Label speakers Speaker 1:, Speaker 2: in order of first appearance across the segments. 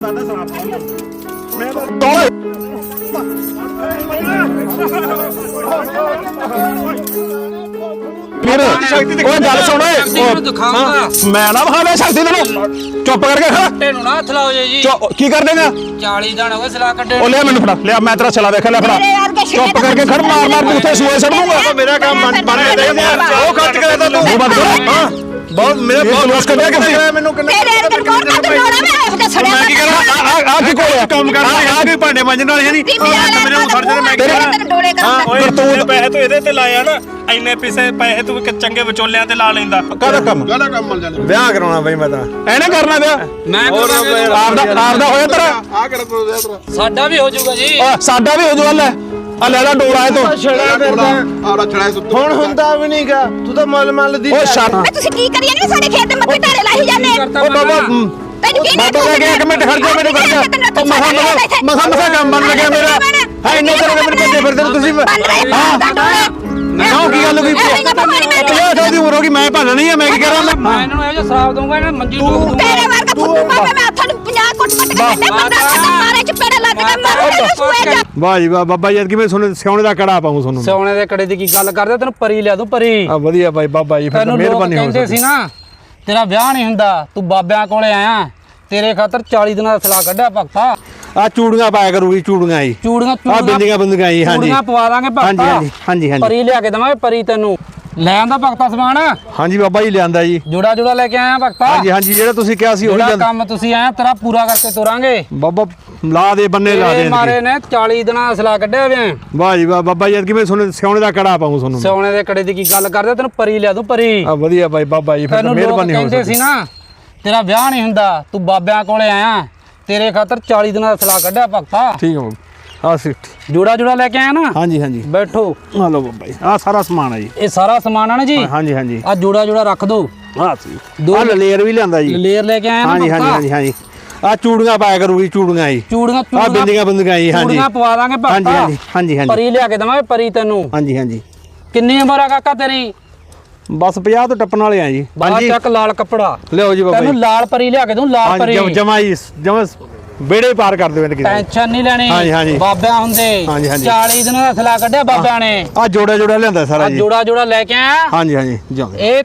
Speaker 1: गल सुन मैं ना बखा शक्ति तेन चुप करके की कर देगा
Speaker 2: 40 दिन हो गए सलाह कड्डे
Speaker 1: लिया मैनू फड़ा लिया मैं तेरा चला वेख लिया फड़ा चुप करके खड़ मार मार तू उथे सूए सड़ दूंगा मेरा काम बन गया वो खर्च करे तो तू बंद कर हां बहुत मेरे बहुत लॉस कर दिया किसी मेनू
Speaker 3: तेरे अंदर कौन का तोड़ा मैं उसका सड़या
Speaker 1: मैं की करा आ की कोल काम कर आ कोई भांडे मांजन वाले है नहीं मेरे को सड़ जाने मैं
Speaker 3: तेरे डोले का
Speaker 4: ਤੂੰ ਪੈਸੇ ਤੂੰ ਇਹਦੇ ਤੇ ਲਾਇਆ ਨਾ ਇੰਨੇ ਪੈਸੇ ਤੂੰ ਚੰਗੇ ਵਿਚੋਲਿਆਂ ਤੇ ਲਾ ਲੈਂਦਾ
Speaker 1: ਕਾਹਦਾ ਕੰਮ
Speaker 5: ਮਿਲ ਜਾਂਦਾ
Speaker 1: ਵਿਆਹ ਕਰਾਉਣਾ ਬਈ ਮੈਂ ਤਾਂ ਐਨੇ ਕਰਨਾ ਵਿਆਹ
Speaker 2: ਮੈਂ
Speaker 1: ਆਪਦਾ ਹੋਇਆ ਤੇਰਾ
Speaker 5: ਆ ਕਿਹੜਾ ਪ੍ਰੋਜੈਕਟ ਤੇਰਾ
Speaker 2: ਸਾਡਾ ਵੀ ਹੋ ਜਾਊਗਾ ਜੀ
Speaker 1: ਸਾਡਾ ਵੀ ਹੋ ਜੂ ਲੈ ਆ ਲੈ ਲੈ ਡੋਰਾ ਇਹ ਤੋਂ
Speaker 5: ਆੜਾ ਛੜਾ ਸੁੱਤ
Speaker 6: ਹੁਣ ਹੁੰਦਾ ਵੀ ਨਹੀਂਗਾ ਤੂੰ ਤਾਂ ਮਲ ਦੀ
Speaker 1: ਉਹ ਛੱਡ
Speaker 3: ਮੈਂ ਤੁਸੀਂ ਕੀ ਕਰੀ ਜਾਂਦੇ ਸਾਡੇ ਖੇਤ ਦੇ ਮੱਥੇ ਢਾਰੇ ਲਾਈ ਜਾਂਦੇ
Speaker 1: ਉਹ ਬਾਬਾ
Speaker 3: ਤੈਨੂੰ ਕੀ
Speaker 1: ਬਾਬਾ ਕਹਿ ਕੇ ਇੱਕ ਮਿੰਟ ਖੜ ਜਾ ਮੈਨੂੰ ਕਰ ਜਾ ਮਸਾ ਕੰਮ ਬਣ ਲੱਗਿਆ ਮੇਰਾ ਹੈ ਇੰਨੇ ਤਰ੍ਹਾਂ ਦੇ ਮੈਨੂੰ ਭੱਜੇ ਫਿਰਦੇ ਤੁਸੀਂ ਕਿਉਂ ਕੀ ਗੱਲ ਹੋਈ 50 ਦੀ ਉਮਰ ਹੋ ਗਈ ਮੈਂ ਭਾਣਾ ਨਹੀਂ ਆ ਮੈਂ ਕੀ ਕਰਾਂ
Speaker 2: ਮੈਂ ਇਹਨਾਂ ਨੂੰ ਇਹੋ ਜਿਹਾ ਸ਼ਰਾਬ ਦਊਂਗਾ ਇਹਨਾਂ ਮੰਜੀ ਡੋਬ
Speaker 3: ਤੇਰੇ ਵਰਗਾ ਫੁੱਟੂ ਮਾਪੇ ਮੈਂ ਹੱਥਾਂ ਨੂੰ 50 ਕੁੱਟ ਕੁੱਟ ਕੇ ਕੱਢੇ ਬੰਦਾ ਮਾਰੇ ਚਪੇੜੇ ਲੱਗ ਕੇ ਮਾਰੂ ਸੂਏ ਜਾ
Speaker 1: ਵਾਹ ਜੀ ਵਾਹ ਬਾਬਾ ਜੀ ਕਿਵੇਂ ਸੁਣ ਸਿਆਉਣੇ ਦਾ ਕੜਾ ਪਾਉਂ ਤੁਹਾਨੂੰ
Speaker 2: ਸੋਨੇ ਦੇ ਕੜੇ ਦੀ ਕੀ ਗੱਲ ਕਰਦੇ ਤੈਨੂੰ ਪਰੀ ਲਿਆ ਦੂੰ ਪਰੀ
Speaker 1: ਆ ਵਧੀਆ ਬਾਈ ਬਾਬਾ ਜੀ ਫਿਰ ਮਿਹਰਬਾਨੀ ਹੋ
Speaker 2: ਕਹਿੰਦੇ ਸੀ ਨਾ ਤੇਰਾ ਵਿਆਹ ਨਹੀਂ ਹੁੰਦਾ ਤੂੰ ਬਾਬਿਆਂ ਕੋਲੇ ਆਇਆ ਤੇਰੇ ਖਾਤਰ 40 ਦਿਨਾਂ ਦਾ ਸਲਾਹ ਕੱਢਿਆ ਭਗਤਾ
Speaker 1: ਆ ਚੂੜੀਆਂ ਪਾਇਆ ਕਰੂਗੀ ਚੂੜੀਆਂ ਜੀ
Speaker 2: ਚੂੜੀਆਂ
Speaker 1: ਆ ਬਿੰਦੀਆਂ ਬੰਦੀਆਂ ਜੀ ਹਾਂਜੀ
Speaker 2: ਚੂੜੀਆਂ ਪਵਾ ਦਾਂਗੇ ਭਗਤਾ
Speaker 1: ਹਾਂਜੀ
Speaker 2: ਪਰੀ ਲਿਆ ਕੇ ਦਵਾਂਗੇ ਪਰੀ ਤੈਨੂੰ ਲੈ ਆਂਦਾ ਭਗਤਾ ਸਮਾਨ
Speaker 1: ਹਾਂਜੀ ਬਾਬਾ ਜੀ ਲਿਆਂਦਾ ਜੀ
Speaker 2: ਜੋੜਾ ਜੋੜਾ ਲੈ ਕੇ ਆਇਆ ਭਗਤਾ
Speaker 1: ਹਾਂਜੀ ਜਿਹੜਾ ਤੁਸੀਂ ਕਿਹਾ ਸੀ ਉਹੀ
Speaker 2: ਜਿਹੜਾ ਕੰਮ ਤੁਸੀਂ ਆਇਆ ਤੇਰਾ ਪੂਰਾ ਕਰਕੇ ਤੋਰਾਂਗੇ
Speaker 1: ਬਾਬਾ ਲਾ ਦੇ ਬੰਨੇ ਲਾ ਦੇ
Speaker 2: ਮਾਰੇ ਨੇ 40 ਦਿਨਾਂ ਦਾ ਸਲਾਹ ਕੱਢਿਆ ਵੇ
Speaker 1: ਵਾਹ ਜੀ ਵਾਹ ਬਾਬਾ ਜੀ ਕਿਵੇਂ ਸੁਣ ਸਿਆਉਣੇ ਦਾ ਕੜਾ ਪਾਉਂ ਤੁਹਾਨੂੰ
Speaker 2: ਸੋਨੇ ਦੇ ਕੜੇ ਦੀ ਕੀ ਗੱਲ ਕਰਦੇ ਤੈਨੂੰ ਪਰੀ ਲਿਆ ਦੂੰ ਪਰੀ
Speaker 1: ਆ ਵਧੀਆ ਬਾਈ ਬਾਬਾ ਜੀ ਫਿਰ ਮਿਹਰਬਾਨੀ ਹੋ
Speaker 2: ਕਹਿੰਦੇ ਸੀ ਨਾ ਤੇਰਾ ਵਿਆਹ ਨਹੀਂ ਹੁੰਦਾ ਤੂੰ ਬਾਬਿਆਂ ਕੋਲੇ ਆਇਆ ਤੇਰੇ ਖਾਤਰ 40 ਦਿਨਾਂ ਦਾ ਸਲਾਹ ਕੱਢਿਆ ਭਗਤਾ
Speaker 1: ਠੀਕ ਹੈ ਆ ਸਿੱਟ
Speaker 2: ਜੋੜਾ ਜੋੜਾ ਲੈ ਕੇ ਆਇਆ ਨਾ
Speaker 1: ਹਾਂਜੀ
Speaker 2: ਬੈਠੋ
Speaker 1: ਆ ਲਓ ਬਾਬਾ ਜੀ ਆ ਸਾਰਾ ਸਮਾਨ ਹੈ ਜੀ
Speaker 2: ਇਹ ਸਾਰਾ ਸਮਾਨ ਆ ਨਾ ਜੀ
Speaker 1: ਹਾਂਜੀ
Speaker 2: ਆ ਜੋੜਾ ਜੋੜਾ ਰੱਖ ਦੋ
Speaker 1: ਆ ਸੀ ਆ ਲੇਅਰ ਵੀ ਲਿਆਂਦਾ ਜੀ
Speaker 2: ਲੇਅਰ ਲੈ ਕੇ ਆਇਆ ਨਾ
Speaker 1: ਹਾਂਜੀ ਆ ਚੂੜੀਆਂ ਪਾਇਆ ਕਰੂਗੀ ਚੂੜੀਆਂ ਜੀ
Speaker 2: ਚੂੜੀਆਂ
Speaker 1: ਆ ਬਿੰਦੀਆਂ ਬੰਦੀਆਂ ਜੀ ਹਾਂਜੀ
Speaker 2: ਚੂੜੀਆਂ ਪਵਾ ਦਾਂਗੇ ਭਗਤਾ
Speaker 1: ਹਾਂਜੀ
Speaker 2: ਪਰੀ ਲਿਆ ਕੇ ਦਵਾਂਗੇ ਪਰੀ ਤੈਨੂੰ
Speaker 1: ਹਾਂਜੀ
Speaker 2: ਕਿੰਨੀ ਉਮਰ ਆ ਕਾਕਾ ਤੇਰੀ
Speaker 1: ਬਸ 50 ਤੋਂ ਟੱਪਣ ਵਾਲੇ ਆ ਜੀ
Speaker 2: ਬਾਹਰ ਚੱਕ ਲਾਲ ਕੱਪੜਾ
Speaker 1: ਲਿਓ ਜੀ ਬਾਬਾ
Speaker 2: ਤੈਨੂੰ ਲਾਲ ਪਰੀ ਲਿਆ ਕੇ ਦੂੰ ਲਾਲ ਪਰੀ
Speaker 1: ਜਮਾ ਬੇੜੇ ਪਾਰ ਕਰ ਦਿਓ ਕਿਸੇ
Speaker 2: ਟੈਨਸ਼ਨ ਨਹੀਂ ਲੈਣੀ
Speaker 1: ਹਾਂਜੀ
Speaker 2: ਬਾਬਿਆਂ ਹੁੰਦੇ 40 ਦਿਨਾਂ ਦਾ ਸਲਾਹ ਕੱਢਿਆ ਬਾਬਿਆਂ ਨੇ
Speaker 1: ਆ ਜੋੜਾ ਲਿਆਂਦਾ ਸਾਰਾ ਜੀ
Speaker 2: ਜੋੜਾ ਜੋੜਾ ਲੈ ਕੇ ਆਇਆ
Speaker 1: ਹਾਂਜੀ
Speaker 2: ਇਹ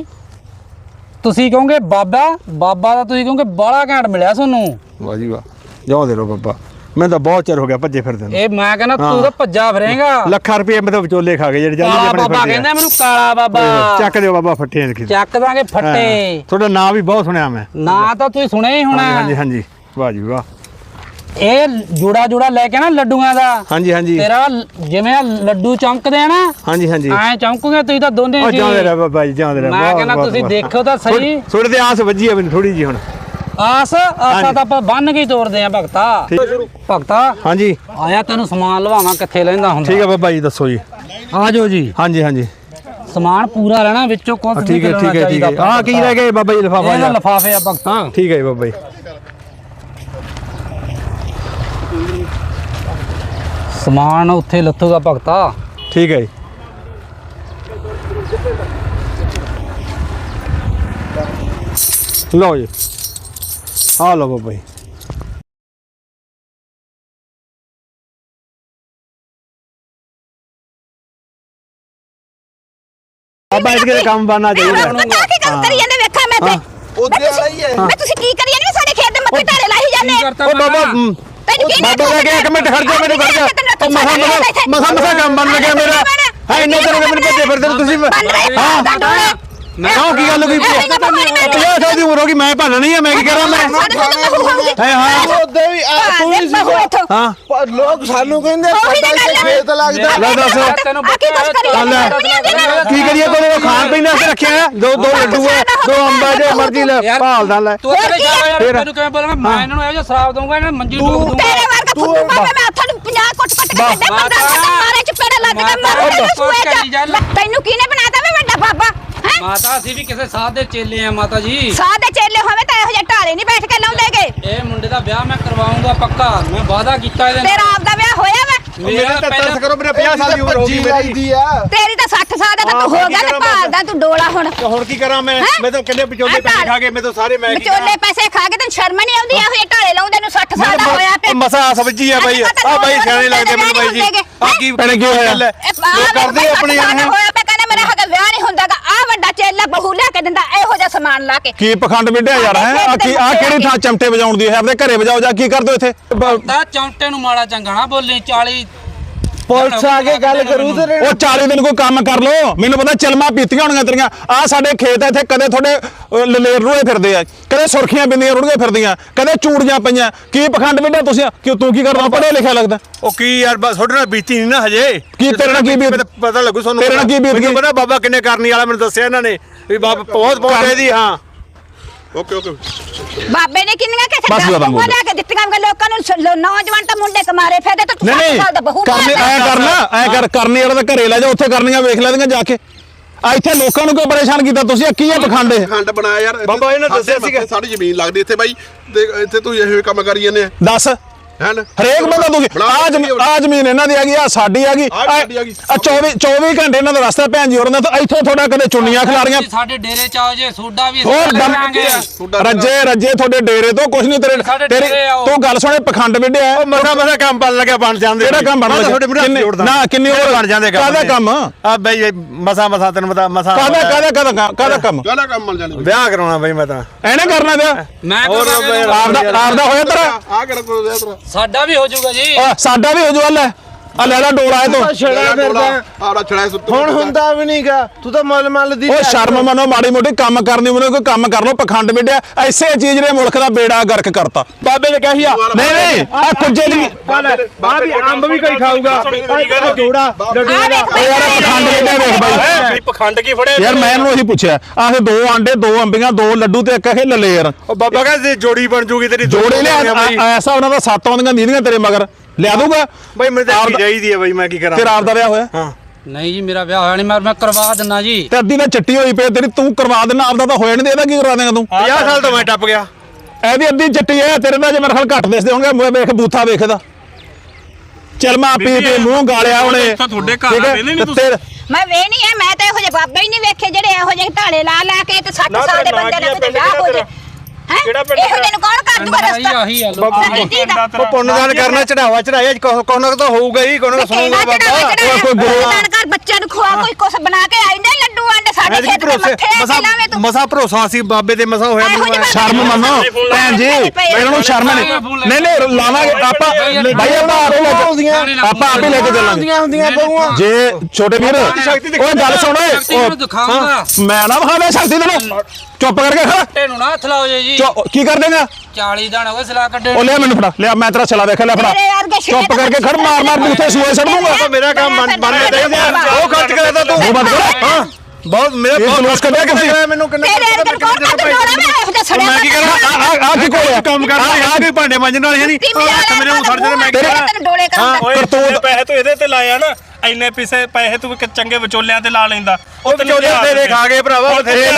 Speaker 2: ਤੁਸੀਂ ਕਹੋਗੇ ਬਾਬਾ ਦਾ ਤੁਸੀਂ ਕਹੋਗੇ ਬਾਲਾ ਘੈਂਟ ਮਿਲਿਆ ਤੁਹਾਨੂੰ
Speaker 1: ਵਾਹ ਜੀ ਵਾਹ ਜਾਓ ਦੇ ਲੋ ਬਾਬਾ ਮੈਂ ਤਾਂ ਬਹੁਤ ਚਿਰ ਹੋ ਗਿਆ ਭੱਜੇ ਫਿਰਦੇ ਨੂੰ
Speaker 2: ਇਹ ਮੈਂ ਕਹਿੰਦਾ ਤੂੰ ਤਾਂ ਭੱਜਾ ਫਿਰੇਗਾ
Speaker 1: ਲੱਖਾਂ ਰੁਪਏ ਮੈਂ ਤਾਂ ਵਿਚੋਲੇ ਖਾ ਗਏ ਜਿਹੜੇ ਜਾਂਦੇ ਆਪਣੇ
Speaker 2: ਬਾਬਾ ਕਹਿੰਦਾ ਮੈਨੂੰ ਕਾਲਾ ਬਾਬਾ
Speaker 1: ਚੱਕ ਦਿਓ ਬਾਬਾ ਫੱਟੇ
Speaker 2: ਚੱਕ ਦਾਂਗੇ ਫੱਟੇ
Speaker 1: ਤੁਹਾਡਾ ਨਾਂ ਵੀ ਬਹੁਤ ਸੁਣਿਆ ਮੈਂ
Speaker 2: ਨਾਂ ਤਾਂ ਤੁਸੀਂ ਸੁਣਿਆ ਹੀ ਹੋਣਾ
Speaker 1: ਹਾਂਜੀ ਵਾਹ ਜੀ ਵਾਹ
Speaker 2: ਇਹ ਜੋੜਾ ਲੈ ਕੇ ਨਾ ਲੱਡੂਆਂ ਦਾ
Speaker 1: ਹਾਂਜੀ
Speaker 2: ਤੇਰਾ ਜਿਵੇਂ ਲੱਡੂ ਚਮਕਦੇ ਆ ਨਾ
Speaker 1: ਹਾਂਜੀ
Speaker 2: ਐ ਚਮਕੂਗੇ ਤੁਸੀਂ ਤਾਂ ਦੋਨੇ
Speaker 1: ਜੀ ਜਾਂਦੇ ਰਹਿ ਬਾਬਾ ਜੀ ਜਾਂਦੇ ਰਹਿ
Speaker 2: ਮੈਂ ਕਹਿੰਦਾ ਤੁਸੀਂ ਦੇਖੋ ਤਾਂ ਸਹੀ
Speaker 1: ਥੋੜੇ ਤੇ ਆਸ ਵੱਜੀ ਆ ਮੈਨੂੰ ਥੋੜੀ ਜੀ ਹੁਣ
Speaker 2: ਆਸਾ ਤਾਂ ਆਪਾਂ ਬੰਨ ਕੇ ਤੋੜਦੇ ਆ ਭਗਤਾ
Speaker 1: ਹਾਂਜੀ
Speaker 2: ਆਇਆ ਤੈਨੂੰ ਸਮਾਨ ਲਵਾਵਾਂ ਕਿੱਥੇ ਲੈਂਦਾ ਹੁੰਦਾ
Speaker 1: ਠੀਕ ਹੈ ਬਾਬਾ ਜੀ ਦੱਸੋ ਜੀ
Speaker 2: ਆ ਜਾਓ ਜੀ
Speaker 1: ਹਾਂਜੀ
Speaker 2: ਸਮਾਨ ਪੂਰਾ ਲੈਣਾ ਵਿੱਚੋਂ ਕੁਝ
Speaker 1: ਠੀਕ ਹੈ ਆ ਕੀ ਰਹਿ ਗਿਆ ਬਾਬਾ ਜੀ ਲਿਫਾਫਾ
Speaker 2: ਇਹਦਾ ਲਿਫਾਫੇ ਆ ਭਗਤਾ
Speaker 1: ਠੀਕ ਹੈ ਬਾਬਾ ਜੀ
Speaker 2: ਸਮਾਨ ਉੱਥੇ ਲੱਥੂਗਾ ਭਗਤਾ
Speaker 1: ਠੀਕ ਹੈ ਜੀ ਲਓ ਜੀ ਆ ਲਓ ਬਾਬਾ ਜੀ ਬਾਬਾ ਇਹਦੇ ਕੰਮ ਬਣਨਾ ਚਾਹੀਦਾ
Speaker 3: ਕੀ ਗੱਲ ਕਰੀ ਜਾਂਦੇ ਵੇਖਾਂ ਮੈਂ ਤੇ
Speaker 6: ਉਹਦੇ ਵਾਲਾ ਹੀ ਹੈ
Speaker 3: ਮੈਂ ਤੁਸੀਂ ਕੀ ਕਰੀ ਜਾਂਦੇ ਸਾਡੇ ਖੇਤ ਦੇ ਮੱਥੇ ਢਾਰੇ ਲਾਈ ਜਾਂਦੇ
Speaker 1: ਉਹ ਬਾਬਾ
Speaker 3: ਤੈਨੂੰ ਕੀ
Speaker 1: ਬਾਬਾ ਕਹਿ ਕੇ ਇੱਕ ਮਿੰਟ ਖੜ ਜਾ ਮੈਨੂੰ ਕਰ ਜਾ ਮਸਾ ਕੰਮ ਬਣ ਲੱਗਿਆ ਮੇਰਾ ਹੈ ਇੰਨੇ ਤਰ੍ਹਾਂ ਦੇ ਮੈਨੂੰ ਭੱਜੇ ਫਿਰਦੇ ਤੁਸੀਂ ਹਾਂ ਕਿਉਂ ਕੀ ਗੱਲ ਹੋਈ 50 ਦੀ ਉਮਰ ਹੋ ਗਈ ਮੈਂ ਭਾਣਾ ਨਹੀਂ ਆ ਮੈਂ ਕੀ ਕਰਾਂ ਮੈਂ
Speaker 6: ਉਹਦੇ ਵੀ ਤੂੰ ਵੀ ਸੀ ਹਾਂ ਲੋਕ ਸਾਨੂੰ ਕਹਿੰਦੇ ਪਤਾ ਹੀ ਖੇਤ ਲੱਗਦਾ
Speaker 1: ਲੈ ਦੱਸ ਕੀ ਕਰੀਏ ਕੋਲੇ ਖਾਣ ਪੀਣ ਵਾਸਤੇ ਰੱਖਿਆ ਦੋ ਲੱਡੂ ਆ 2 ਅੰਬਾ ਜੇ ਮਰਜ਼ੀ ਲੈ ਭਾਲਦਾ ਲੈ
Speaker 2: ਤੂੰ ਕਿਹੜੇ ਯਾਰ ਤੈਨੂੰ ਕਿਵੇਂ ਬੋਲਾਂਗਾ ਮੈਂ ਇਹਨਾਂ ਨੂੰ ਇਹੋ ਜਿਹਾ ਸ਼ਰਾਬ ਦਊਂਗਾ ਇਹਨਾਂ ਮੰਜੀ ਡੋਬ ਦੂੰਗਾ
Speaker 3: ਤੇਰੇ ਵਰਗਾ ਫੁੱਟੂ ਮਾਪੇ ਮੈਂ ਹੱਥਾਂ ਨੂੰ 50 ਕੁੱਟ ਕੁੱਟ ਕੇ ਕੱਢੇ ਬੰਦਾ ਮਾਰੇ ਚਪੇੜੇ ਲੱਗ ਕੇ ਮਾਰੂ ਸੂਏ ਜਾ ਤੈਨੂੰ ਕਿਹਨੇ ਬਣਾਤਾ ਵੇ ਵੱਡਾ ਬਾਬਾ
Speaker 2: ਮਾਤਾ ਅਸੀਂ ਵੀ ਕਿਸੇ ਸਾਧ ਦੇ ਚੇਲੇ ਆ ਮਾਤਾ ਜੀ
Speaker 3: ਸਾਧ ਦੇ ਚੇਲੇ ਹੋਵੇ ਤਾਂ ਇਹੋ ਜਿਹੇ ਢਾਲੇ ਨਹੀਂ ਬੈਠ ਕੇ ਲਾਉਂਦੇਗੇ
Speaker 2: ਇਹ ਮੁੰਡੇ ਦਾ ਵਿਆਹ ਮੈਂ ਕਰਵਾਉਂਗਾ ਪੱਕਾ ਮੈਂ ਵਾਅਦਾ ਕੀਤਾ ਇਹਦੇ ਨਾਲ
Speaker 3: ਤੇਰਾ ਆਪ ਦਾ ਵਿਆਹ ਹੋਇਆ ਵਾ
Speaker 1: ਮੇਰੇ ਤਾਂ ਤਰਸ ਕਰੋ, ਮੇਰੇ 50 ਸਾਲ ਦੀ ਉਮਰ ਹੋ ਗਈ ਮੇਰੀ।
Speaker 6: ਲੱਗਦੀ ਆ
Speaker 3: ਤੇਰੀ ਤਾਂ 60 ਸਾਲ ਦਾ ਤਾਂ ਤੂੰ ਹੋ ਗਿਆ ਤੇ ਭਾਲਦਾ ਤੂੰ ਡੋਲਾ ਹੁਣ
Speaker 1: ਹੁਣ ਕੀ ਕਰਾਂ ਮੈਂ ਤਾਂ ਕਿੰਨੇ ਵਿਚੋਲੇ ਪੈਸੇ ਖਾ ਕੇ ਮੈਂ ਤਾਂ ਸਾਰੇ ਮੈਂ
Speaker 3: ਵਿਚੋਲੇ ਪੈਸੇ ਖਾ ਕੇ ਤੈਨੂੰ ਸ਼ਰਮ ਨਹੀਂ ਆਉਂਦੀ ਇਹੋ ਜਿਹੇ ਢਾਲੇ ਲਾਉਂਦੇ ਨੂੰ 60 ਸਾਲ ਦਾ ਹੋਇਆ ਪਿਆ
Speaker 1: ਮਸਾ ਸਬਜੀ ਆ ਬਾਈ ਆ ਬਾਈ ਸਿਆਣੇ ਲੱਗਦੇ ਮੈਨੂੰ ਬਾਈ ਜੀ ਆ ਕੀ ਭੈਣੇ ਕੀ ਹੋਇਆ ਲੋਕ ਕਰਦੇ ਆਪਣੇ ਯਾਰ
Speaker 3: ਹੋਇਆ ਪਿਆ ਕਹਿੰਦਾ ਮੇਰਾ ਹਗਾ ਵਿਆਹ ਨਹੀਂ ਹੁੰਦਾਗਾ ਆ ਵੱਡਾ ਚੇਲਾ ਬਹੂ ਲਿਆ ਕੇ ਦਿੰਦਾ ਇਹੋ ਜਿਹਾ ਸਮਾਨ ਲਾ ਕੇ
Speaker 1: ਕੀ ਪਖੰਡ ਵਿੱਢਿਆ ਯਾਰ ਹੈ ਆ ਕਿਹੜੀ ਥਾਂ ਚਮਟੇ ਵਜਾਉਣ ਦੀ ਹੈ ਆਪਣੇ ਘਰੇ ਵਜਾਓ ਜਾ ਕੀ ਕਰਦੇ ਹੋ ਇੱਥੇ
Speaker 2: ਤਾਂ ਚੌਂਟੇ ਨੂੰ ਮਾੜਾ ਚੰਗਾ ਨਾ ਬੋਲੀ 40
Speaker 6: ਪੁਲਿਸ ਆ ਕੇ ਗੱਲ ਕਰੂ ਤੇ
Speaker 1: ਉਹ 40 ਦਿਨ ਕੋਈ ਕੰਮ ਕਰ ਲੋ ਮੈਨੂੰ ਪਤਾ ਚਲਮਾ ਪੀਤੀਆਂ ਹੋਣੀਆਂ ਤੇਰੀਆਂ ਆ ਸਾਡੇ ਖੇਤ ਇੱਥੇ ਕਦੇ ਤੁਹਾਡੇ ਲਲੇਰ ਰੋਏ ਫਿਰਦੇ ਆ ਕਦੇ ਸੁਰਖੀਆਂ ਬਿੰਦੀਆਂ ਰੁੜੀਆਂ ਫਿਰਦੀਆਂ ਕਦੇ ਚੂੜੀਆਂ ਪਈਆਂ ਕੀ ਪਖੰਡ ਵਿੱਢਿਆ ਤੁਸੀਂ ਕਿਉਂ ਤੂੰ ਕੀ ਕਰਦਾ ਪੜ੍ਹਿਆ ਲਿਖਿਆ ਲੱਗਦਾ
Speaker 7: ਉਹ ਕੀ ਯਾਰ ਬਸ ਤੁਹਾਡੇ ਨਾਲ ਬੀਤੀ ਨਹੀਂ ਨਾ ਹਜੇ
Speaker 1: ਕੀ ਤੇਰੇ ਨਾਲ ਕੀ ਬੀਤ
Speaker 7: ਪਤਾ ਲੱਗੂ ਤੁਹਾਨੂੰ
Speaker 1: ਤੇਰੇ ਨਾਲ ਕੀ ਬੀਤ
Speaker 7: ਮੈਨੂੰ
Speaker 1: ਗਈ?
Speaker 7: ਪਤਾ ਬਾਬਾ ਕਿੰਨੇ ਕਰਨੀ ਵਾਲਾ ਮੈਨੂੰ ਦੱਸਿਆ ਇਹਨਾਂ ਨੇ ਵੀ ਬਾਬਾ ਬਹੁਤ ਇਹਦੀ ਹਾਂ
Speaker 5: ਓਕੇ
Speaker 3: ਬਾਬੇ ਨੇ ਕਿੰਨੀਆਂ
Speaker 1: ਬਸ
Speaker 3: ਕਿਸੇ
Speaker 1: ਬਾਬਾ
Speaker 3: ਬਹੂ ਲਿਆ ਕੇ ਦਿੱਤੀਆਂ ਕਿ ਲੋਕਾਂ ਨੂੰ ਨੌਜਵਾਨ ਤਾਂ ਮੁੰਡੇ ਕਮਾਰੇ ਫਿਰਦੇ ਤਾਂ ਤੂੰ 60 ਸਾਲ ਦਾ ਬਹੂ
Speaker 1: ਕਰਨੀ ਐ ਕਰਨਾ ਐ ਕਰ ਕਰਨੀ ਵਾਲਾ ਤਾਂ ਘਰੇ ਲੈ ਜਾ ਉੱਥੇ ਕਰਨੀਆਂ ਵੇਖ ਲੈਂਦੀਆਂ ਜਾ ਕੇ ਆ ਇੱਥੇ ਲੋਕਾਂ ਨੂੰ ਕਿਉਂ ਪਰੇਸ਼ਾਨ ਕੀਤਾ ਤੁਸੀਂ ਕੀ ਹੈ ਪਖੰਡ ਇਹ
Speaker 5: ਖੰਡ ਬਣਾਇਆ ਯਾਰ
Speaker 7: ਬਾਬਾ ਇਹਨੇ ਦੱਸਿਆ ਸੀਗਾ।
Speaker 5: ਸਾਡੀ ਜ਼ਮੀਨ ਲੱਗਦੀ ਇੱਥੇ ਬਾਈ ਤੇ ਇੱਥੇ ਤੂੰ ਇਹੋ ਕੰਮ ਕਰੀ ਜਾਂਦੇ ਆ
Speaker 1: ਦੱਸ
Speaker 5: ਹੈਂ
Speaker 1: ਹਰੇਕ ਬੰਦਾ ਤੁਸੀਂ ਆ ਜ਼ਮੀਨ ਇਹਨਾਂ ਦੀ ਹੈਗੀ ਆ ਸਾਡੀ ਹੈਗੀ
Speaker 5: ਆਹ ਸਾਡੀ ਹੈਗੀ।
Speaker 1: ਆ 24 ਘੰਟੇ ਇਹਨਾਂ ਦਾ ਰਸਤਾ ਭੈਣ ਜੀ ਹੋਰਾਂ ਦਾ ਤਾਂ ਇੱਥੋਂ ਤੁਹਾਡਾ ਕਦੇ ਚੁੰਨੀਆਂ ਖਿਲਾਰੀਆਂ
Speaker 2: ਸਾਡੇ ਡੇਰੇ ਚ ਆਓ ਜੇ ਸੋਡਾ ਵੀ
Speaker 1: ਹੋਰ
Speaker 2: ਕਰਾਂਗੇ
Speaker 1: ਰੱਜੇ ਤੁਹਾਡੇ ਡੇਰੇ ਤੋਂ ਕੁਝ ਨਹੀਂ
Speaker 2: ਸਾਡੇ
Speaker 1: ਤੇਰੇ
Speaker 2: ਡੇਰੇ ਆਓ।
Speaker 1: ਤੂੰ ਗੱਲ ਸੁਣੇ ਪਖੰਡ ਵਿੱਢਿਆ
Speaker 7: ਮਸਾ ਕੰਮ ਬਣ ਲੱਗਿਆ ਬਣ ਜਾਂਦੇ
Speaker 1: ਕਿਹੜਾ ਕੰਮ ਬਣ ਲੱਗਿਆ?
Speaker 7: ਤੁਹਾਡੇ ਮੂਹਰੇ ਜੋੜਦਾ
Speaker 1: ਨਾ, ਕਿੰਨੀ ਹੋਰ
Speaker 7: ਬਣ ਜਾਂਦੇ
Speaker 1: ਕਾਹਦਾ ਕੰਮ?
Speaker 7: ਆ ਬਈ ਮਸਾ ਤੈਨੂੰ ਪਤਾ ਮਸਾ
Speaker 1: ਕਾਹਦਾ ਕੰਮ
Speaker 5: ਗਾਲਾ ਕੰਮ ਮਿਲ ਜਾਣੀ
Speaker 7: ਵਿਆਹ ਕਰਾਉਣਾ ਬਈ ਮੈਂ ਤਾਂ
Speaker 1: ਐਨੇ ਕਰਨਾ ਪਿਆ
Speaker 2: ਮੈਂ
Speaker 7: ਹੋਰ
Speaker 1: ਆਪਦਾ ਹੋਇਆ ਤੇਰਾ
Speaker 5: ਆ ਕਿਹੜਾ ਕੋਲ ਦਿਆ ਤੇਰਾ
Speaker 2: ਸਾਡਾ ਵੀ ਹੋ ਜਾਊਗਾ ਜੀ
Speaker 1: ਸਾਡਾ ਵੀ ਹੋ ਜੂ ਲੈ ਆ ਲੈ ਲੈ ਡੋਲਾ ਇਹ ਤੋਂ
Speaker 6: ਛੜਾ ਫਿਰਦਾ
Speaker 5: ਆੜਾ ਛੜਾ ਸੁੱਤ
Speaker 6: ਹੁਣ ਹੁੰਦਾ ਵੀ ਨਹੀਂਗਾ ਤੂੰ ਤਾਂ ਮੁੱਲ ਦੀ
Speaker 1: ਉਹ ਸ਼ਰਮ ਮੰਨੋ ਮਾੜੀ ਮੋਟੀ ਕੰਮ ਕਰਨੀ ਮੈਨੂੰ ਕੋਈ ਕੰਮ ਕਰ ਲੋ ਪਖੰਡ ਵਿੱਢਿਆ ਐਸੇ ਚੀਜ਼ ਨੇ ਮੁਲਕ ਦਾ ਬੇੜਾ ਗਰਕ ਕਰਤਾ ਬਾਬੇ ਨੇ ਕਹੀ ਆ ਨਹੀਂ ਆ ਕੁੱਜੇ ਦੀ
Speaker 7: ਆ ਵੀ ਅੰਬ ਵੀ ਕੋਈ ਖਾਊਗਾ ਜੋੜਾ
Speaker 1: ਯਾਰ ਪਖੰਡ ਵਿੱਢਿਆ ਵੇਖ ਬਾਈ
Speaker 4: ਵੀ ਪਖੰਡ ਕੀ ਫੜਿਆ
Speaker 1: ਯਾਰ ਮੈਂ ਇਹਨੂੰ ਉਹੀ ਪੁੱਛਿਆ ਆਹ 2 ਆਂਡੇ 2 ਅੰਬੀਆਂ 2 ਲੱਡੂ ਤੇ ਇੱਕ ਇਹ ਲਲੇਰ
Speaker 7: ਉਹ ਬਾਬਾ ਕਹਿੰਦੇ ਜੋੜੀ ਬਣ ਜੂਗੀ ਤੇਰੀ
Speaker 1: ਜੋੜੇ ਲਿਆ ਐਸਾ ਉਹਨਾਂ ਦਾ 7 ਆਉਂਦੀਆਂ ਨੀਂਦੀਆਂ ਤੇਰੇ ਮਗਰ ਲਿਆ ਦੂਗਾ
Speaker 7: ਬਈ ਮੈਨੂੰ ਤਾਂ ਚਾਹੀਦੀ ਹੈ ਬਈ ਮੈਂ ਕੀ ਕਰਾਂ
Speaker 1: ਤੇਰਾ ਆਪ ਦਾ ਵਿਆਹ ਹੋਇਆ
Speaker 7: ਹਾਂ
Speaker 2: ਨਹੀਂ ਜੀ ਮੇਰਾ ਵਿਆਹ ਹੋਇਆ ਨਹੀਂ ਮੈਂ ਕਰਵਾ ਦਿੰਨਾ ਜੀ
Speaker 1: ਤੇ ਅੱਧੀ ਤਾਂ ਚਿੱਟੀ ਹੋਈ ਪਈ ਤੇਰੀ ਤੂੰ ਕਰਵਾ ਦੇਣਾ ਆਪਦਾ ਤਾਂ ਹੋਇਆ ਨਹੀਂ ਇਹਦਾ ਕੀ ਕਰਵਾ ਦੇਗਾ ਤੂੰ
Speaker 7: 50 ਸਾਲ ਤੋਂ ਮੈਂ ਟੱਪ ਗਿਆ
Speaker 1: ਇਹਦੀ ਅੱਧੀ ਚਿੱਟੀ ਹੈ ਤੇਰੇ ਦਾ ਜੇ ਮੇਰੇ ਖਿਆਲ ਘੱਟ ਦਿਸਦੇ ਹੋਣਗੇ ਵੇਖ ਬੂਥਾ ਵੇਖਦਾ ਚਲ ਮੈਂ ਪੀ ਮੂੰਹ ਗਾਲਿਆ ਉਹਨੇ
Speaker 4: ਤੁਹਾਡੇ ਘਰ ਆ ਵੇਲੇ ਨਹੀਂ ਤੁਸੀਂ
Speaker 3: ਮੈਂ ਵੇ ਨਹੀਂ ਹੈ ਮੈਂ ਤਾਂ ਇਹੋ ਜਿਹੇ ਬਾਬੇ ਹੀ ਨਹੀਂ ਵੇਖੇ ਜਿਹੜੇ ਇਹੋ ਜਿਹੇ ਢਾਲੇ ਲਾ ਕੇ ਤੇ 60 ਸਾਲ ਦੇ ਬੰਦੇ ਨਾਲ ਕਿਤੇ ਵਿਆਹ ਹੋ ਜੇ ਹੈ ਇਹੋ ਜਿਹੇ ਨੂੰ ਕੌਣ ਕਰ ਦੂਗਾ ਰਸਤਾ
Speaker 2: ਆਹੀ ਆ ਲੋਕ
Speaker 3: ਸਾਡੀ ਧੀ ਦਾ
Speaker 7: ਉਹ ਪੁੰਨਦਾਨ ਕਰਨਾ ਚੜਾਵਾ ਚੜਾਇਆ ਕੋਹ ਨਾ ਤਾਂ ਹੋਊਗਾ ਹੀ ਕੋਹ ਨਾ ਸੁਣੂਗਾ ਬਾਬਾ
Speaker 1: ਕੋਈ ਗੁਰੂ
Speaker 3: ਦਾਨ ਕਰ ਬੱਚਿਆਂ ਨੂੰ ਖਵਾ ਕੋਈ ਕੁਛ ਬਣਾ ਕੇ ਆਈ ਨੇ ਲੱਡੂ ਆਂਡੇ ਸਾਡੇ ਖੇਤ ਦੇ ਮੱਥੇ ਆ ਲਾਵੇਂ ਤੂੰ
Speaker 7: ਮਸਾ ਭਰੋਸਾ ਸੀ ਬਾਬੇ ਤੇ ਮਸਾ ਹੋਇਆ ਮੈਨੂੰ
Speaker 1: ਸ਼ਰਮ ਮੰਨੋ ਭੈਣ ਜੀ ਇਹਨਾਂ ਨੂੰ ਸ਼ਰਮ ਨਹੀਂ ਲਾਵਾਂਗੇ ਆਪਾਂ ਭਾਈ ਆਪਾਂ ਆਪੇ ਲੈ ਕੇ ਚੱਲਾਂਗੇ
Speaker 6: ਹੁੰਦੀਆਂ ਬਹੂਆਂ
Speaker 1: ਜੇ ਛੋਟੇ ਵੀਰ ਓਏ ਗੱਲ ਸੁਣ ਓਏ
Speaker 2: ਦਿਖਾਉਂਗਾ
Speaker 1: ਮੈਂ ਨਾ ਵਿਖਾਵੇ ਸ਼ਕਤੀ ਤੈਨੂੰ ਚੁੱਪ ਕਰਕੇ ਖੜਾ
Speaker 2: ਤੈਨੂੰ ਨਾ ਹੱਥ ਲਾਓ ਜੀ
Speaker 1: ਕੀ ਕਰ ਦੇਗਾ
Speaker 2: 40 ਦਿਨ ਹੋ ਗਏ ਸਲਾ ਕੱਢੇ
Speaker 1: ਉਹ ਲਿਆ ਮੈਨੂੰ ਫੜਾ ਲਿਆ ਮੈਂ ਤੇਰਾ ਛਲਾ ਵੇਖ ਲੈ ਫੜਾ ਚੁੱਪ ਕਰਕੇ ਖੜ ਮਾਰ ਬੂਥੇ ਸੂਏ ਛੱਡ ਦੂੰਗਾ
Speaker 7: ਮੇਰਾ ਕੰਮ ਬਣਨਾ ਚਾਹੀਦਾ ਉਹ ਖਰਚ ਕਰਦਾ ਤੂੰ
Speaker 1: ਉਹ ਬੰਦ ਕਰ
Speaker 7: ਹਾਂ ਬਹੁਤ ਮੇਰੇ
Speaker 1: ਇਹ ਜਲੂਸ ਕੱਢਿਆ ਕਿੱਥੇ
Speaker 7: ਮੈਨੂੰ ਕਿੰਨਾ
Speaker 3: ਤੇਰੇ ਅੰਦਰ ਕੌਣ ਕਰ ਦੂਗਾ ਮੈਂ ਇਹੋ ਜਿਹਾ ਸੜਿਆ
Speaker 7: ਮੈਂ ਕੀ ਕਰਾਂ
Speaker 1: ਆ ਕੀ ਕੋਲ
Speaker 7: ਕੰਮ ਕਰਦਾ ਆ ਕੋਈ ਭਾਂਡੇ ਮਾਂਜਣ ਵਾਲੇ ਹੈ ਨਹੀਂ ਮੇਰੇ ਨੂੰ ਸੜ ਜਾਣਾ ਮੈਂ ਕੀ ਕਰਾਂ
Speaker 3: ਤੈਨੂੰ ਡੋਲੇ ਕਰਾਂਗਾ
Speaker 4: ਓਏ ਤੂੰ ਪੈਸੇ ਤੂੰ ਇਹਦੇ ਤੇ ਲਾਇਆ ਨਾ ਇੰਨੇ ਪੈਸੇ ਤੂੰ ਚੰਗੇ ਵਿਚੋਲਿਆਂ ਤੇ ਲਾ ਲੈਂਦਾ
Speaker 7: ਉਹ ਵਿਚੋਲੇ ਤੇਰੇ ਖਾ ਗਏ ਭਰਾਵਾ ਬਥੇਰੇ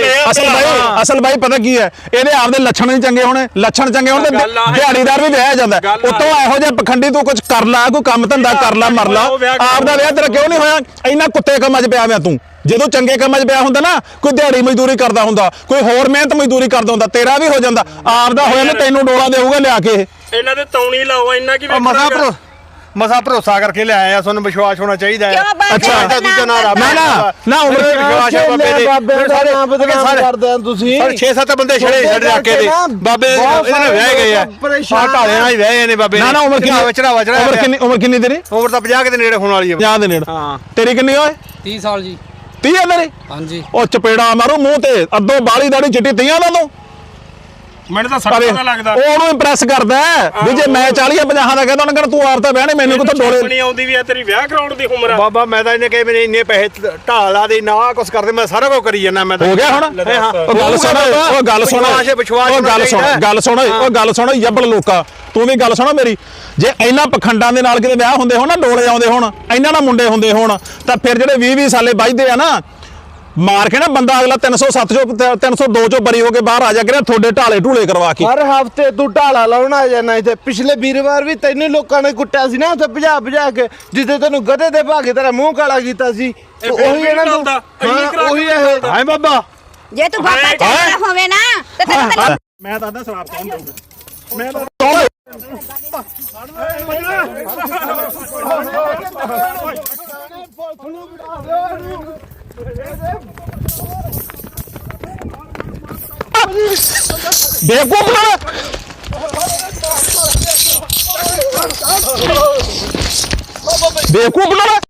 Speaker 1: ਅਸਲ ਬਾਈ ਪਤਾ ਕੀ ਹੈ ਇਹਦੇ ਆਪਦੇ ਲੱਛਣ ਨਹੀਂ ਚੰਗੇ ਹੋਣੇ ਲੱਛਣ ਚੰਗੇ ਹੋਣ ਤੇ ਦਿਹਾੜੀਦਾਰ ਵੀ ਵਿਆਹ ਜਾਂਦਾ ਉਤੋਂ ਇਹੋ ਜਿਹਾ ਪਖੰਡੀ ਤੂੰ ਕੁਝ ਕਰ ਲਾ ਕੋਈ ਕੰਮ ਧੰਦਾ ਕਰ ਲਾ ਮਰ ਲਾ ਆਪਦਾ ਵਿਆਹ ਤੇਰਾ ਕਿਉਂ ਨਹੀਂ ਹੋਇਆ ਇੰਨਾ ਕੁੱਤੇ ਕੰਮਾਂ 'ਚ ਪਿਆ ਹੋਇਆ ਤੂੰ ਜਦੋਂ ਚੰਗੇ ਕੰਮਾਂ 'ਚ ਪਿਆ ਹੁੰਦਾ ਨਾ ਕੋਈ ਦਿਹਾੜੀ ਮਜ਼ਦੂਰੀ ਕਰਦਾ ਹੁੰਦਾ ਕੋਈ ਹੋਰ ਮਿਹਨਤ ਮਜ਼ਦੂਰੀ ਕਰਦਾ ਹੁੰਦਾ ਤੇਰਾ ਵੀ ਹੋ ਜਾਂਦਾ ਆਪਦਾ ਹੋਇਆ ਨਾ ਤੈਨੂੰ ਡੋਲਾ ਦੇਊਗਾ ਲਿਆ ਕੇ
Speaker 4: ਇਹਨਾਂ ਦੇ ਤੌਣੀ ਲਾਓ ਇੰਨਾ ਕੀ
Speaker 7: ਮਸਾ ਭਰੋਸਾ ਕਰਕੇ ਲਿਆਇਆ ਤੁਹਾਨੂੰ ਵਿਸ਼ਵਾਸ ਹੋਣਾ ਚਾਹੀਦਾ ਹੈ
Speaker 1: ਅੱਛਾ
Speaker 7: ਦੂਜਾ ਨਾ ਰੱਬ
Speaker 1: ਨਾ ਉਮਰ
Speaker 7: ਵਿਸ਼ਵਾਸ ਹੈ ਬਾਬੇ ਦੇ
Speaker 6: ਸਾਰੇ ਨਾਮ ਬਦਨਾਮ ਕਰਦੇ ਆ ਤੁਸੀਂ
Speaker 7: ਸਾਰੇ 6-7 ਬੰਦੇ ਛੜੇ ਰੱਖ ਕੇ ਦੇ ਬਾਬੇ ਇਹਨਾਂ ਨੇ ਵਿਆਹ ਗਏ ਆ ਆ ਢਾਲੇ ਨਾਲ ਹੀ ਵਿਆਹੇ ਨੇ ਬਾਬੇ
Speaker 1: ਨਾ ਉਮਰ ਕਿੰਨੀ
Speaker 7: ਚੜਾਵਾ
Speaker 1: ਉਮਰ ਕਿੰਨੀ ਤੇਰੀ
Speaker 7: ਉਮਰ ਤਾਂ 50 ਦੇ ਨੇੜੇ ਹੋਣ ਵਾਲੀ ਹੈ
Speaker 1: 50 ਦੇ ਨੇੜੇ
Speaker 7: ਹਾਂ
Speaker 1: ਤੇਰੀ ਕਿੰਨੀ ਓਏ
Speaker 2: 30 ਸਾਲ ਜੀ
Speaker 1: 30 ਹੈ ਤੇਰੀ
Speaker 2: ਹਾਂਜੀ
Speaker 1: ਉਹ ਚਪੇੜਾ ਮਾਰੂ ਮੂੰਹ ਤੇ ਅੱਧੋ ਬਾਲੀ ਦਾੜੀ ਚਿੱਟੀ 30 ਦਾ ਤੂੰ
Speaker 4: ਮੈਨੂੰ ਤਾਂ 60 ਦਾ ਲੱਗਦਾ
Speaker 1: ਉਹ ਉਹਨੂੰ ਇੰਪ੍ਰੈਸ ਕਰਦਾ ਵੀ ਜੇ ਮੈਂ 40 50 ਦਾ ਕਹਿੰਦਾ ਉਹਨਾਂ ਕਹਿੰਦਾ ਤੂੰ ਆਪ ਤਾਂ ਵਿਆਹ ਨਹੀਂ ਮੈਨੂੰ ਕਿੱਥੋਂ ਡੋਲੇ
Speaker 4: ਨਹੀਂ ਆਉਂਦੀ ਵੀ ਆ ਤੇਰੀ ਵਿਆਹ ਕਰਾਉਣ ਦੀ ਉਮਰ ਆ
Speaker 7: ਬਾਬਾ ਮੈਂ ਤਾਂ ਇਹਨੇ ਕਹੇ ਮੇਰੇ ਇੰਨੇ ਪੈਸੇ ਢਾਲਾ ਦੇ ਨਾ ਕੁਛ ਕਰਦੇ ਮੈਂ ਸਾਰਾ ਕੁਝ ਕਰੀ ਜਾਂਦਾ ਮੈਂ ਤਾਂ
Speaker 1: ਹੋ ਗਿਆ ਹੁਣ ਉਹ ਗੱਲ ਸੁਣ ਉਹ ਗੱਲ ਸੁਣ ਯੱਬਲ ਲੋਕਾ ਤੂੰ ਵੀ ਗੱਲ ਸੁਣੋ ਮੇਰੀ ਜੇ ਇਹਨਾਂ ਪਖੰਡਾਂ ਦੇ ਨਾਲ ਕਿਤੇ ਵਿਆਹ ਹੁੰਦੇ ਹੋਣ ਨਾ ਡੋਲੇ ਆਉਂਦੇ ਹੋਣ ਇਹਨਾਂ ਨਾਲ ਮੁੰਡੇ ਹੁੰਦੇ ਹੋਣ ਤਾਂ ਫਿਰ ਜਿਹੜੇ 20 ਸਾਲੇ ਵੱਜਦੇ ਆ ਨਾ
Speaker 7: ਮਾਰ ਕੇ ਨਾ ਬੰਦਾ ਅਗਲਾ 307 ਚੋਂ 302 ਚੋਂ ਬਰੀ ਹੋ ਕੇ ਬਾਹਰ ਆ ਜਾ ਕਰਿਆ ਤੁਹਾਡੇ ਢਾਲੇ ਢੂਲੇ ਕਰਵਾ ਕੇ।
Speaker 6: ਹਰ ਹਫਤੇ ਤੂੰ ਢਾਲਾ ਲਾਉਣ ਆ ਜਾਣਾ ਇੱਥੇ। ਪਿਛਲੇ ਵੀਰਵਾਰ ਵੀ ਤੈਨੂੰ ਲੋਕਾਂ ਨੇ ਕੁੱਟਿਆ ਸੀ ਨਾ ਉੱਥੇ ਭਜਾ ਕੇ, ਜਿੱਦੇ ਤੈਨੂੰ ਗਧੇ ਦੇ ਭਾਗੇ ਤੇਰਾ ਮੂੰਹ ਕਾਲਾ ਕੀਤਾ ਸੀ। ਉਹੀ ਇਹਨਾਂ ਨੂੰ ਉਹੀ ਇਹ
Speaker 7: ਹਾਏ ਬਾਬਾ
Speaker 3: ਜੇ ਤੂੰ ਬਾਬਾ ਚੰਗਾ ਹੋਵੇ ਨਾ ਤੇ ਤੈਨੂੰ
Speaker 4: ਮੈਂ ਤਾਂ ਸ਼ਰਾਬ ਕੌਣ ਦਊਗਾ
Speaker 7: ਬੇਵਕੂਫ ਨਾ ਬੇਵਕੂਫ ਨਾ